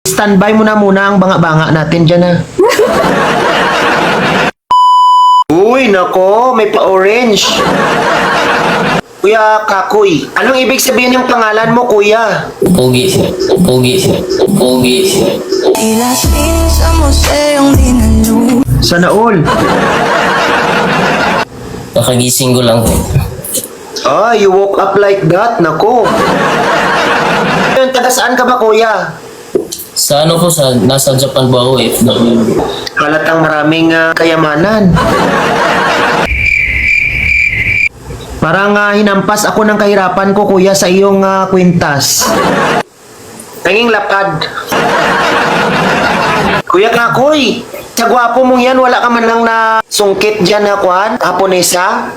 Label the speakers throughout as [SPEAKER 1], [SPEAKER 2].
[SPEAKER 1] Standby mo na muna ang banga-banga natin dyan, ha? Uy, nako, may pa-orange. Kuya Kakoy, anong ibig sabihin yung pangalan mo, kuya?
[SPEAKER 2] Pogi, sir. Pogi, sir. Pogi, sir.
[SPEAKER 1] Sana all.
[SPEAKER 2] Kakagising ko lang po.
[SPEAKER 1] Ah, you woke up like that, nako. Yun, taga saan ka ba, kuya?
[SPEAKER 2] Sa ano po, nasa Japan po ako eh.
[SPEAKER 1] Halatang maraming kayamanan. Parang hinampas ako ng kahirapan ko, kuya, sa iyong kwintas. Tanging lapad. Kuya Kakoy, sa gwapo mong yan, wala ka man lang na sungkit dyan na kwan, Haponesa?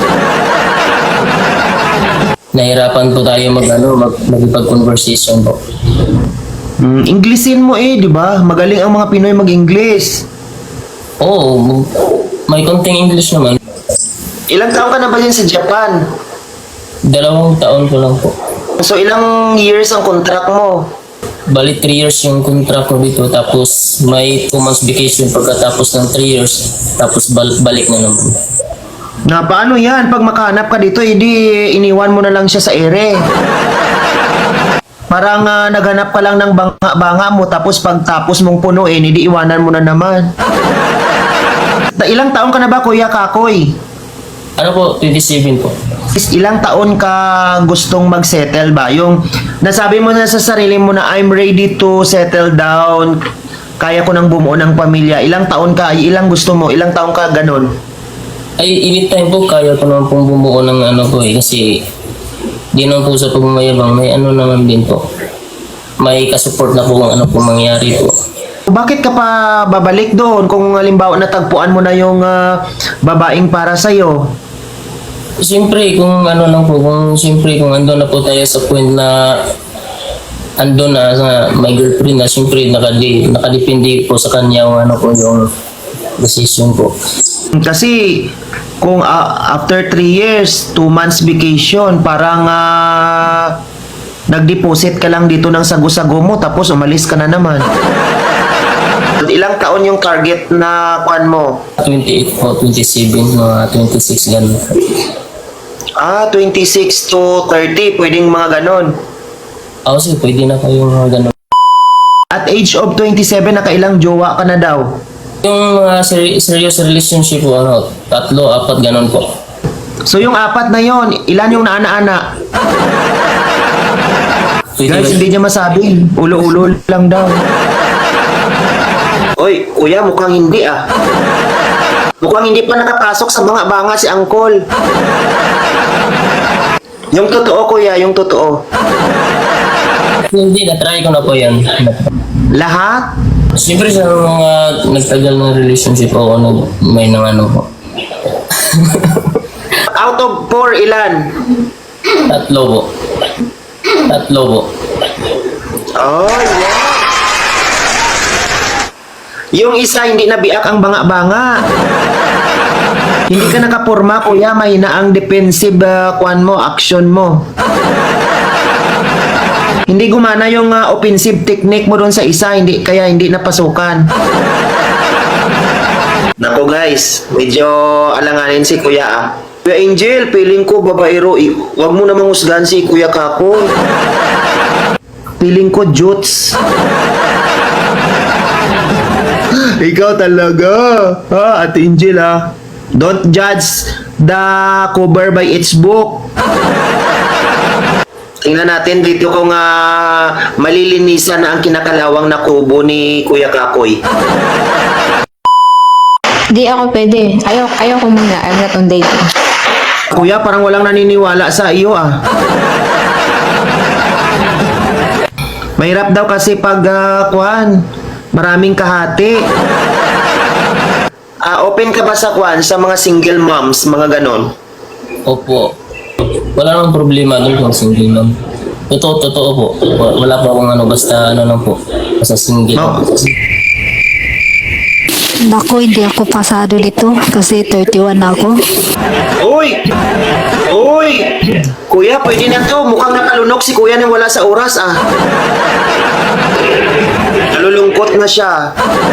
[SPEAKER 2] Nahirapan po tayo magipag-conversation po.
[SPEAKER 1] Inglesin mo di ba? Magaling ang mga Pinoy mag-Ingles.
[SPEAKER 2] Oo, may konting English naman.
[SPEAKER 1] Ilang taon ka na ba dyan sa Japan?
[SPEAKER 2] 2 taon ko lang po.
[SPEAKER 1] So ilang years ang contract mo?
[SPEAKER 2] Bali 3 years yung contract ko dito, tapos may 2 months vacation pagkatapos ng 3 years, tapos balik na naman.
[SPEAKER 1] Na paano yan? Pag makahanap ka dito, edi iniwan mo na lang siya sa ere. Parang naghanap ka lang ng banga-banga mo, tapos pagtapos mong punuin, edi iwanan mo na naman. Ilang taon ka na ba, Kuya Kakoy?
[SPEAKER 2] Ano po, 27 po.
[SPEAKER 1] Ilang taon ka gustong mag-settle ba? Yung nasabi mo na sa sarili mo na I'm ready to settle down, kaya ko nang bumuo ng pamilya. Ilang taon ka? Ilang gusto mo? Ilang taon ka ganun?
[SPEAKER 2] Ay, anytime po, kaya ko naman pong bumuo ng ano po eh, kasi di naman po sa pagmamayabang, may ano naman din po. May kasupport na po kung ano po mangyari po.
[SPEAKER 1] Bakit ka pa babalik doon kung halimbawa natagpuan mo na yung babaeng para sa'yo?
[SPEAKER 2] Siyempre, kung ano lang po, kung ando na po tayo sa point na ando na may girlfriend na, siyempre nakadepende po sa kanya yung ano po yung decision po.
[SPEAKER 1] Kasi kung after 3 years, 2 months vacation, parang nag-deposit ka lang dito ng sago-sago mo tapos umalis ka na naman. Ilang taon yung target na kuan mo?
[SPEAKER 2] 28 po, 27, mga 26 ganun.
[SPEAKER 1] 26 to 30, pwedeng mga ganon.
[SPEAKER 2] Kasi pwede na kayo mga ganun.
[SPEAKER 1] At age of 27, nakailang jowa ka na daw?
[SPEAKER 2] Yung mga serious relationship po, 3, 4 ganun po.
[SPEAKER 1] So yung 4 na yon, ilan yung naana-ana? Guys, hindi niya masabi. Ulo-ulo lang daw. Oy, kuya, mukhang hindi Mukhang hindi pa nakapasok sa mga banga si Angkol. Yung totoo, kuya, yung totoo.
[SPEAKER 2] Hindi, na-try ko na po yan.
[SPEAKER 1] Lahat?
[SPEAKER 2] Siyempre sa mga nagtagal ng relationship ako, may nang ano po.
[SPEAKER 1] Out of 4, ilan?
[SPEAKER 2] 3 po. 3 po.
[SPEAKER 1] Oh, yeah. Yung isa, hindi nabiak ang banga-banga. Hindi ka nakapurma, kuya. Mahina ang defensive kwan mo, action mo. Hindi gumana yung offensive technique mo doon sa isa, kaya hindi napasukan. Nako guys, medyo alanganin si kuya Kuya Angel, feeling ko babaero. Wag mo namang husgahan si Kuya Kako. Feeling ko jutes. Ikaw talaga. Ate Angel Don't judge the cover by its book. Tingnan natin dito kung malilinisan na ang kinakalawang na kubo ni Kuya Kakoy.
[SPEAKER 3] Di ako pwede. Ayaw ko muna. I'm not on dating.
[SPEAKER 1] Kuya, parang walang naniniwala sa iyo Mahirap daw kasi pag maraming kahati. Open ka ba sa sa mga single moms, mga ganon?
[SPEAKER 2] Opo. Wala namang problema doon kung single mom. Totoo po. Wala pa akong basta lang po. Basta single.
[SPEAKER 1] No.
[SPEAKER 3] Naku, hindi ako pasado dito kasi 31 na ako.
[SPEAKER 1] Uy! Kuya, pwede na to. Mukhang nakalunok si kuya nang wala sa oras malungkot na siya.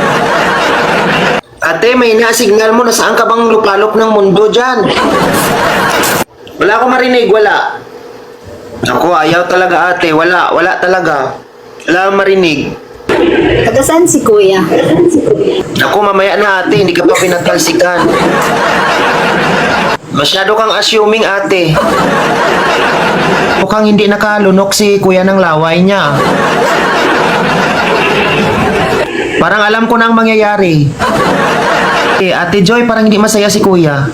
[SPEAKER 1] Ate, may na-signal mo na saan ka bang lupalop ng mundo dyan? Wala akong marinig, wala. Ako, ayaw talaga ate, wala talaga. Wala akong marinig.
[SPEAKER 4] Taga saan si Kuya?
[SPEAKER 1] Ako, mamaya na ate, hindi ka pa pinatalsikan. Masyado kang assuming ate. Mukhang hindi nakalunok si kuya ng laway niya. Parang alam ko na ang mangyayari. Ate Joy, parang hindi masaya si kuya.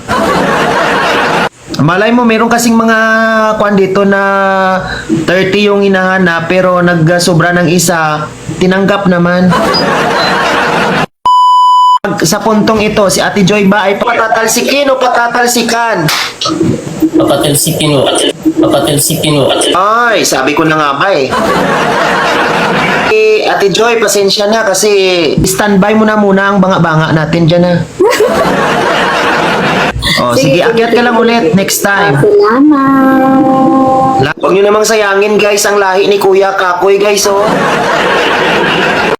[SPEAKER 1] Malay mo, meron kasing mga kwan dito na 30 yung hinahanap pero nagsobra ng isa, tinanggap naman. Sa puntong ito, si Ate Joy ba ay patatalsikin o patatalsikan?
[SPEAKER 2] Papatalsikin mo. Papatalsikin mo.
[SPEAKER 1] Ay, sabi ko na nga ba eh. Ate Joy, pasensya na kasi standby mo na muna ang banga-banga natin dyan na. Oh, sige, akyat ka lang ulit next time.
[SPEAKER 4] Salamat.
[SPEAKER 1] Huwag nyo namang sayangin guys ang lahi ni Kuya Kakoy guys oh.